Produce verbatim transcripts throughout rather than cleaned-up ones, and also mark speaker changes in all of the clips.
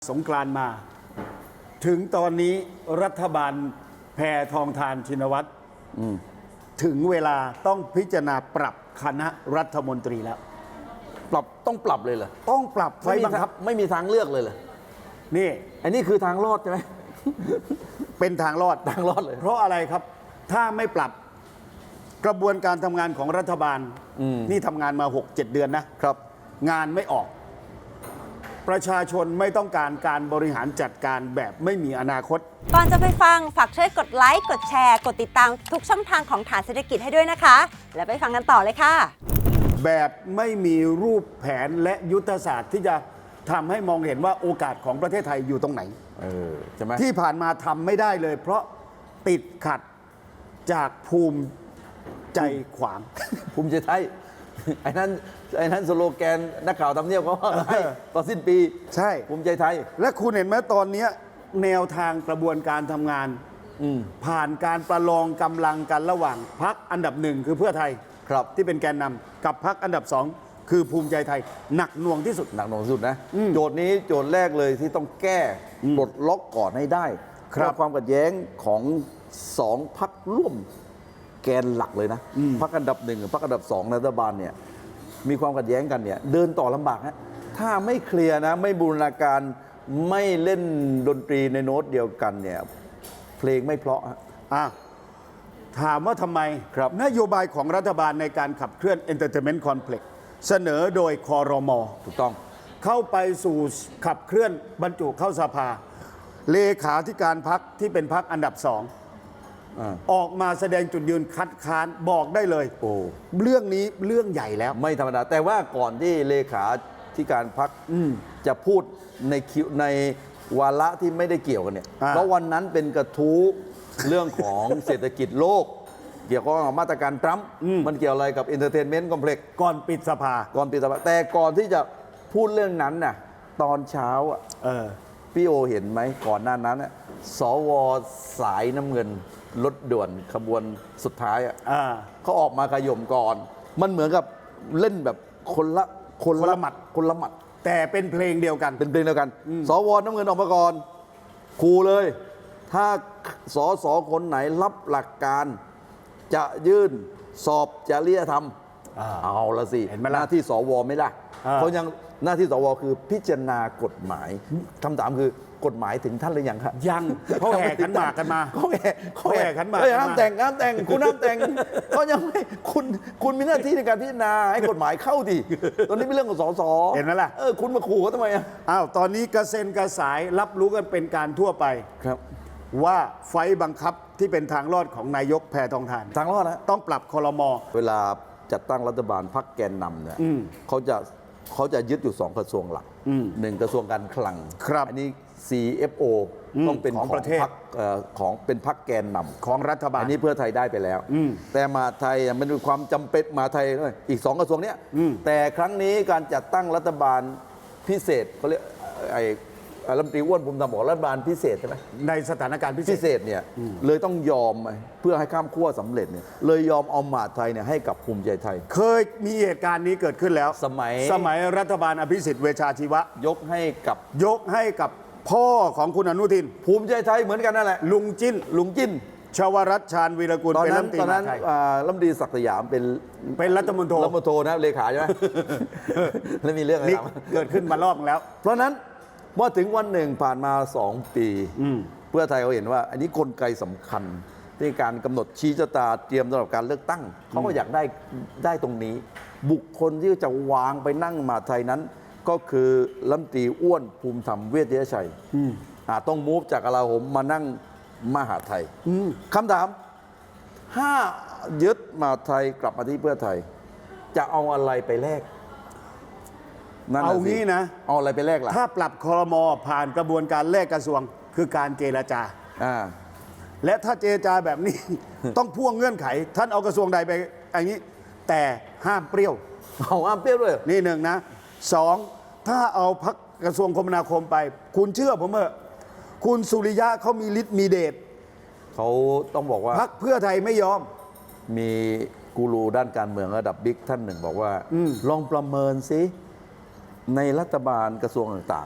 Speaker 1: สงกรานต์มาถึงตอนนี้รัฐบาลแพทองธารชินวัตรถึงเวลาต้องพิจารณาปรับคณะรัฐมนตรีแล้ว
Speaker 2: ปรับต้องปรับเลยเหรอ
Speaker 1: ต้องปรับไฟบังคับ
Speaker 2: ไม่มีทางเลือกเลยเหรอ
Speaker 1: นี่
Speaker 2: อันนี้คือทางรอดใช่ไหม
Speaker 1: เป็นทางรอด
Speaker 2: ทางรอดเลย
Speaker 1: เพราะอะไรครับถ้าไม่ปรับกระบวนการทำงานของรัฐบาลนี่ทำงานมา หกเจ็ด เดือนนะครับงานไม่ออกประชาชนไม่ต้องการการบริหารจัดการแบบไม่มีอนาคต
Speaker 3: ก่อนจะไปฟังฝากช่วยกดไลค์กดแชร์กดติดตามทุกช่องทางของฐานเศรษฐกิจให้ด้วยนะคะแล้วไปฟังกันต่อเลยค่ะ
Speaker 1: แบบไม่มีรูปแผนและยุทธศาสตร์ที่จะทำให้มองเห็นว่าโอกาสของประเทศไทยอยู่ตรงไหน
Speaker 2: เออใช่ไหม
Speaker 1: ที่ผ่านมาทำไม่ได้เลยเพราะติดขัดจากภูมิใจขวาง
Speaker 2: ภูมิใจไทยไอ้นั้นไอ้นั้นสโลแกนนักข่าวทำเนียบเขาให้ตอนสิ้นปี
Speaker 1: ใช่
Speaker 2: ภูมิใจไทย
Speaker 1: และคุณเห็นไหมตอนนี้แนวทางกระบวนการทำงานผ่านการประลองกำลังกันระหว่างพรรคอันดับหนึ่งคือเพื่อไทย
Speaker 2: ครับ
Speaker 1: ที่เป็นแกนนำกับพรรคอันดับสองคือภูมิใจไทยหนักหน่วงที่สุด
Speaker 2: หนักหน่วงที่สุดนะโจทย์นี้โจทย์แรกเลยที่ต้องแก้ปลดล็อกก่อนให้ได้เพราะความขัดแย้งของสองพรรคร่วมแกนหลักเลยนะพรรคอันดับหนึ่งกับพรรคอันดับสองรัฐบาลเนี่ยมีความขัดแย้งกันเนี่ยเดินต่อลำบากฮะถ้าไม่เคลียร์นะไม่บูรณาการไม่เล่นดนตรีในโน้ตเดียวกันเนี่ยเพลงไม่เพราะฮะ
Speaker 1: อ่ะถามว่าทำไม
Speaker 2: ครับ
Speaker 1: นโยบายของรัฐบาลในการขับเคลื่อน Entertainment Complex เสนอโดยครม.
Speaker 2: ถูกต้อง
Speaker 1: เข้าไปสู่ขับเคลื่อนบรรจุเข้าสภาเลขาธิการพรรคที่เป็นพรรคอันดับสองออกมาแสดงจุดยืนคัดค้านบอกได้เลย
Speaker 2: โอ้
Speaker 1: เรื่องนี้เรื่องใหญ่แล้ว
Speaker 2: ไม่ธรรมดาแต่ว่าก่อนที่เลขาธิการพรรคจะพูดในคิวในวาระที่ไม่ได้เกี่ยวกันเนี่ยเพราะวันนั้นเป็นกระทู้เรื่องของเศรษฐกิจโลกเกี่ยวกับมาตรการทรัมป์มันเกี่ยวอะไรกับ Entertainment Complex
Speaker 1: ก่อนปิดสภา
Speaker 2: ก่อนปิดสภาแต่ก่อนที่จะพูดเรื่องนั้นน่ะตอนเช้าอ่ะพี่โอเห็นไหมก่อนหน้านั้นน่ะสวสายน้ำเงินรถด่วนขบวนสุดท้ายอ่ะเขาออกมาขย่มก่อนมันเหมือนกับเล่นแบบคนละ
Speaker 1: คนละหมัด
Speaker 2: คนละหมัด
Speaker 1: แต่เป็นเพลงเดียวกัน
Speaker 2: เป็นเพลงเดียวกันสวน้ำเงินออกมาก่อนขู่เลยถ้าสสคนไหนรับหลักการจะยื่นสอบจริยธรรมเอาละสิหน้าที่สวไม่ได้เพราะยังหน้าที่สวคือพิจารณากฎหมายคำถามคือกฎหมายถึงท่านหรือยังครับ
Speaker 1: ยังเขาแห่ขันหมากกันมา
Speaker 2: เขาแห่
Speaker 1: เขาแห่ขันหมาก
Speaker 2: ห้ามแต่งห้ามแต่งคุณห้ามแต่งเขายังไม่คุณคุณมีหน้าที่ในการพิจารณาให้กฎหมายเข้าดิตอนนี้เป็นเรื่องของสส
Speaker 1: เห็นไหมล่ะ
Speaker 2: เออคุณมาขู่เขาทำไมอ่ะ
Speaker 1: อ้าวตอนนี้กระเซ็นกระสายรับรู้กันเป็นการทั่วไป
Speaker 2: ครับ
Speaker 1: ว่าไฟบังคับที่เป็นทางรอดของนายกแพทองธาร
Speaker 2: ทางรอดนะ
Speaker 1: ต้องปรับครม.
Speaker 2: เวลาจัดตั้งรัฐบาลพรรคแกนนำเนี่ยเขาจะเขาจะยึดอยู่สองกระทรวงหลักหนึ่งกระทรวงการคลังอันนี้ ซี เอฟ โอ ต้องเป็นของประเทศของเป็นพรรคแกนนำ
Speaker 1: ของรัฐบาล
Speaker 2: อันนี้เพื่อไทยได้ไปแล้วแต่มาไทยมันมีความจำเป็นมาไทยอีกสองกระทรวงเนี้ยแต่ครั้งนี้การจัดตั้งรัฐบาลพิเศษเขาเรียกไอ้รัฐมนตรีอ้วนภูมิธรรมบอกรัฐบาลพิเศษใช่ไหม
Speaker 1: ในสถานการณ์พิ
Speaker 2: เศษเนี่ยเลยต้องยอมเพื่อให้ข้ามขั้วสำเร็จเนี่ยเลยยอมเอามหาไทยเนี่ยให้กับภูมิใจไทย
Speaker 1: เคยมีเหตุการณ์นี้เกิดขึ้นแล้ว
Speaker 2: สมัย
Speaker 1: สมัยรัฐบาลอภิสิทธิ์เวชชาชีวะ
Speaker 2: ยกให้กับ
Speaker 1: ยกให้กับพ่อของคุณอนุทิน
Speaker 2: ภูมิใจไทยเหมือนกันนั่นแหละ
Speaker 1: ลุงจิ้น
Speaker 2: ลุงจิ้น
Speaker 1: ชวรัตน์ชาญวีรกุล
Speaker 2: เป็นรัฐมนตรีตอนนั้นรัฐมนตรีศักดิ์สยามเป็น
Speaker 1: เป็นรัฐมนตรี
Speaker 2: รัฐมนตรีนะเลขาใช่ไหมแล้วมีเรื่องอะไร
Speaker 1: เกิดขึ้นมารอบแล้ว
Speaker 2: เพราะนั้นเมื่อถึงวันหนึ่งผ่านมาสองปีเพื่อไทยเขาเห็นว่าอันนี้กลไกสำคัญในการกำหนดชี้ชะตาเตรียมสำหรับการเลือกตั้งเขาก็อยากได้ได้ตรงนี้บุคคลที่จะวางไปนั่งมหาไทยนั้นก็คือรัฐมนตรีอ้วนภูมิธรรมเวชยชัยต้องมูฟจากกลาโหมมานั่งมหาไทยคำถามถ้ายึดมหาไทยกลับมาที่เพื่อไทยจะเอาอะไรไปแลก
Speaker 1: เอางี้นะ
Speaker 2: เอาอะไรไปแลกล่ะ
Speaker 1: ถ้าปรับครม.ผ่านกระบวนการแลกกระทรวงคือการเจรจาและถ้าเจรจาแบบนี้ ต้องพ่วงเงื่อนไขท่านเอากระทรวงใดไปอย่างนี้แต่ห้ามเปรี้ยว
Speaker 2: เอาห้ามเปรี้ยวด้วย
Speaker 1: นี่หนึ่งนะสองถ้าเอาพักกระทรวงคมนาคมไปคุณเชื่อผมเถอะคุณสุริยะเขามีฤทธิ์มีเดช
Speaker 2: เขาต้องบอกว่า
Speaker 1: พรรคเพื่อไทยไม่ยอม
Speaker 2: มีกูรูด้านการเมืองระดับบิ๊กท่านหนึ่งบอกว่าลองประเมินซิในรัฐบาลกระทรวงต่างๆ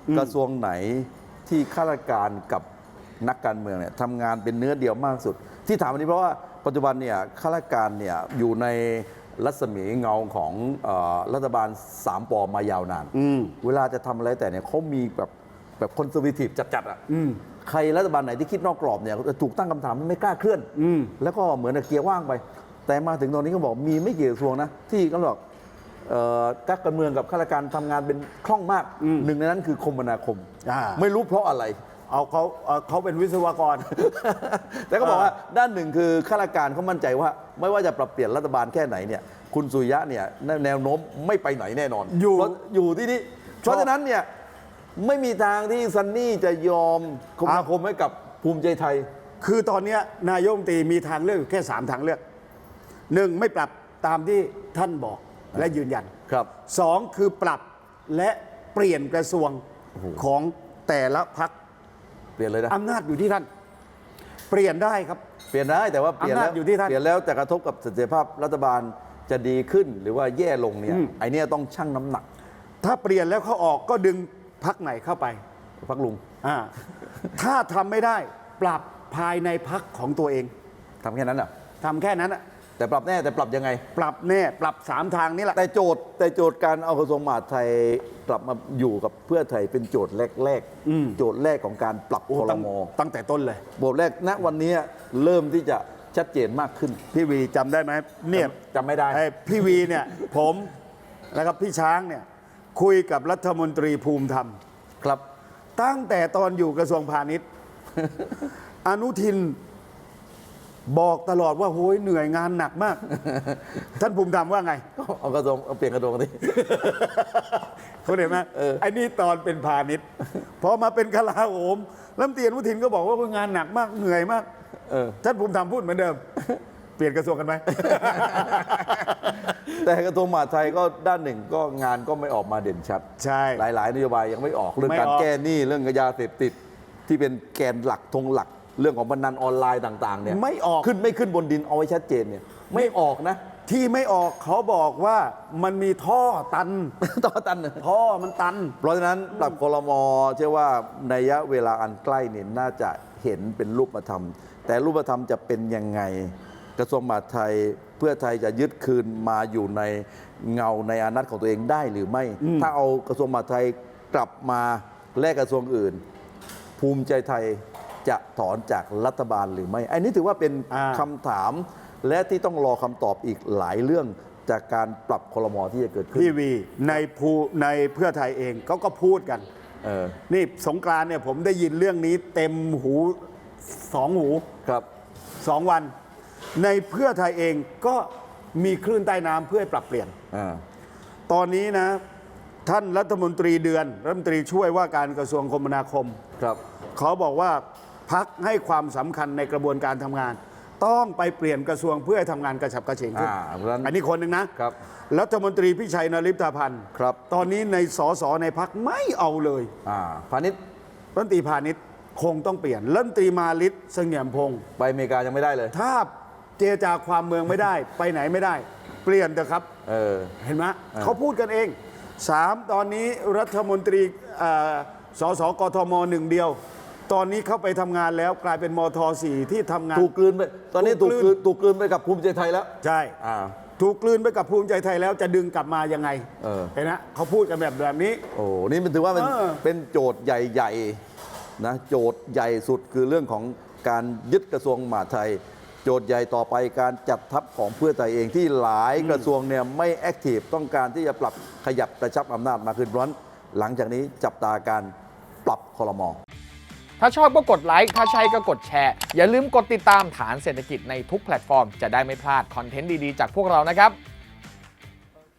Speaker 2: กระทรวงไหนที่ข้าราชการกับนักการเมืองเนี่ยทำงานเป็นเนื้อเดียวมากที่สุด ที่ถามอันนี้เพราะว่าปัจจุบันเนี่ยข้าราชการเนี่ยอยู่ในรัศมีเงาของเอ่อรัฐบาลสามปอมายาวนาน เวลาจะทำอะไรแต่เนี่ยเขามีแบบแบบคอนเซอร์เวทีฟจัดๆอ่ะใครรัฐบาลไหนที่คิดนอกกรอบเนี่ยจะถูกตั้งคำถามไม่กล้าเคลื่อนแล้วก็เหมือนกับเกียร์ว่างไป แต่มาถึงตอนนี้ก็บอกมีไม่กี่กระทรวงนะที่ก็บอกเอ่อนักการเมืองกับข้าราชการทำงานเป็นคล่องมากหนึ่งในนั้นคือคมนาคม
Speaker 1: อ่า
Speaker 2: ไม่รู้เพราะอะไร
Speaker 1: เอาเขาเอาเขาเป็นวิศวกร
Speaker 2: แต่ก็บอกว่าด้านหนึ่งคือข้าราชการเขามั่นใจว่า ไม่ว่าจะปรับเปลี่ยนรัฐบาลแค่ไหนเนี่ยคุณสุริยะเนี่ยแนวโน้มไม่ไปไหนแน่นอน
Speaker 1: อยู่
Speaker 2: เพราะอยู่ที่นี่เพราะฉะนั้นเนี่ยไม่มีทางที่ซันนี่จะยอมคมนาคมให้กับภูมิใจไทย
Speaker 1: คือตอนเนี้ยนายกรัฐมนตรีมีทางเลือกอยู่แค่สามทางเลือกหนึ่งไม่ปรับตามที่ท่านบอกและยืนยัน
Speaker 2: ครับ
Speaker 1: สองคือปรับและเปลี่ยนกระทรวงของแต่ละพัก
Speaker 2: เปลี่ยนเลยนะ
Speaker 1: อำนาจอยู่ที่ท่าน เปลี่ยนได้ครับ
Speaker 2: เปลี่ยนได้แต่ว่าเปลี่ยน
Speaker 1: อำนา
Speaker 2: แล้
Speaker 1: จ
Speaker 2: ว
Speaker 1: อยู่ที่ท่าน
Speaker 2: เปลี่ยนแล้วจะกระทบกับเสถียรภาพรัฐบาลจะดีขึ้นหรือว่าแย่ลงเนี่ย
Speaker 1: อืม
Speaker 2: ไอเนี้ยต้องชั่งน้ำหนัก
Speaker 1: ถ้าเปลี่ยนแล้วเขาออกก็ดึงพักไหนเข้าไป
Speaker 2: พักลุง
Speaker 1: อ่าถ้าทำไม่ได้ปรับภายในพักของตัวเอง
Speaker 2: ทำแค่นั้นเหรอ
Speaker 1: ทำแค่นั้นอะ
Speaker 2: แต่ปรับแน่แต่ปรับยังไง
Speaker 1: ปรับแน่ปรับสามทางนี้แหละ
Speaker 2: แต่โจทย์แต่โจทย์การเอากระทรวงมหาดไทยกลับมาอยู่กับเพื่อไทยเป็นโจทย์แรก
Speaker 1: อืม
Speaker 2: ๆโจทย์แรกของการปรับ
Speaker 1: โอ้
Speaker 2: คอร
Speaker 1: ตั้ง
Speaker 2: มอ
Speaker 1: ตั้งแต่ต้นเลย
Speaker 2: โจทย์แรกณวันนี้เริ่มที่จะชัดเจนมากขึ้น
Speaker 1: พี่วีจำได้ไหมเนี่ย
Speaker 2: จำไม่ได้
Speaker 1: ไอ้พี่วีเนี่ย ผมแล้วก็พี่ช้างเนี่ยคุยกับรัฐมนตรีภูมิธรรม
Speaker 2: ครับ
Speaker 1: ตั้งแต่ตอนอยู่กระทรวงพาณิชย์ อนุทินบอกตลอดว่าโหยเหนื่อยงานหนักมาก ท่านภูมิธรรมว่าไง
Speaker 2: เอากระทรวงเอาเปลี่ยนกระทรวงกันดิ
Speaker 1: เขาเห็นไหม
Speaker 2: เออ
Speaker 1: ไอ้นี่ตอนเป็นพาณิชย์พอมาเป็นกลาโหมรัฐมนตรีอนุทินก็บอกว่าโอ้ยงานหนักมากเหนื่อยมาก
Speaker 2: เออ
Speaker 1: ท่านภูมิธรรมพูดเหมือนเดิม เปลี่ยนกระทรวงกันไหม
Speaker 2: แต่กระทรวงมหาดไทยก็ด้านหนึ่งก็งานก็ไม่ออกมาเด่นชัด
Speaker 1: ใช่
Speaker 2: หลาย ๆ นโยบายยังไม่ออกเรื่อง
Speaker 1: ไม่
Speaker 2: การ
Speaker 1: ออก
Speaker 2: แก้หนี้เรื่องยาเสพติดที่เป็นแกนหลักธงหลัก เรื่องของพนันออนไลน์ต่าง ๆ เนี่ย
Speaker 1: ไม่ออก
Speaker 2: ขึ้นไม่ขึ้นบนดินเอาไว้ชัดเจนเนี่ยไม่ออกนะ
Speaker 1: ที่ไม่ออกเขาบอกว่ามันมีท่อตัน
Speaker 2: ต่อตันเนี่ย
Speaker 1: ท่อมันตัน
Speaker 2: เพราะฉะนั้นปรับครมเชื่อว่าในระยะเวลาอันใกล้เนี่ยน่าจะเห็นเป็นรูปธรรม แต่รูปธรรมจะเป็นยังไง กระทรวงมหาดไทยเพื่อไทยจะยึดคืนมาอยู่ในเงาในอานัตของตัวเองได้หรือไม่ ถ้าเอากระทรวงมหาดไทยกลับมาแลกกระทรวงอื่น ภูมิใจไทยจะถอนจากรัฐบาลหรือไม่อันนี้ถือว่าเป็น
Speaker 1: อ่า
Speaker 2: คำถาม และที่ต้องรอคำตอบอีกหลายเรื่องจากการปรับครมที่จะเกิดขึ้น
Speaker 1: พี่วีในภูในเพื่อไทยเองเขาก็พูดกัน
Speaker 2: เออ
Speaker 1: นี่สงกรานต์เนี่ยผมได้ยินเรื่องนี้เต็มหูสองหู
Speaker 2: ครับ
Speaker 1: สองวัน ในเพื่อไทยเองก็มีคลื่นใต้น้ำเพื่อให้ปรับเปลี่ยน
Speaker 2: อ่า
Speaker 1: ตอนนี้นะ ท่านรัฐมนตรีเดือนรัฐมนตรีช่วยว่าการกระทรวงคมนาคม
Speaker 2: ครับ
Speaker 1: เขาบอกว่าพักให้ความสำคัญในกระบวนการทำงาน ต้องไปเปลี่ยนกระทรวงเพื่อให้ทำงานกระฉับกระเฉงขึ้น
Speaker 2: อ่าเพราะฉะนั้น
Speaker 1: อันนี้คนหนึ่งนะครับ รัฐมนตรีพิชัยนฤทธาพันธ์
Speaker 2: ครับ
Speaker 1: ตอนนี้ในสสในพักไม่เอาเลย
Speaker 2: อ่าพาณิชย์
Speaker 1: รัฐมนตรีพาณิชย์คงต้องเปลี่ยนรัฐมนตรีมาลิศเสงี่ยมพงศ์
Speaker 2: ไปอเมริกายังไม่ได้เลย
Speaker 1: ถ้าเจรจาความเมืองไม่ได้ ไปไหนไม่ได้ เปลี่ยนเถอะครับ
Speaker 2: เออ
Speaker 1: เห็นไหม
Speaker 2: ออ
Speaker 1: เขาพูดกันเองสามตอนนี้รัฐมนตรีเอ่อสสกทมหนึ่งเดียว ตอนนี้เข้าไปทำงานแล้วกลายเป็นมทสี่ที่ทำงาน
Speaker 2: ถูกกลืนไป ตอนนี้
Speaker 1: ถู
Speaker 2: ถู
Speaker 1: ก
Speaker 2: ก
Speaker 1: ก
Speaker 2: ก
Speaker 1: ลื
Speaker 2: ลื
Speaker 1: น
Speaker 2: นถูกกลืนไปกับภูมิใจไทยแล้ว
Speaker 1: ใช่
Speaker 2: อ่า
Speaker 1: ถูกกลืนไปกับภูมิใจไทยแล้วจะดึงกลับมายังไง
Speaker 2: เออ
Speaker 1: เห็นนะเขาพูดกันแบบแบบนี้
Speaker 2: โอ้ นี่มันถือว่าเป็น
Speaker 1: เออ
Speaker 2: เป็นโจทย์ใหญ่ๆนะ โจทย์ใหญ่สุดคือเรื่องของการยึดกระทรวงมหาดไทย โจทย์ใหญ่ต่อไปการจัดทัพของเพื่อไทยเองที่หลายกระทรวงเนี่ยไม่แอคทีฟต้องการที่จะปรับขยับกระชับอำนาจมากขึ้นเพราะฉะนั้นหลังจากนี้จับตาการปรับครม.
Speaker 4: ถ้าชอบก็กดไลค์ ถ้าใช่ก็กดแชร์ อย่าลืมกดติดตามฐานเศรษฐกิจในทุกแพลตฟอร์ม จะได้ไม่พลาดคอนเทนต์ดี ๆ จากพวกเรานะครับ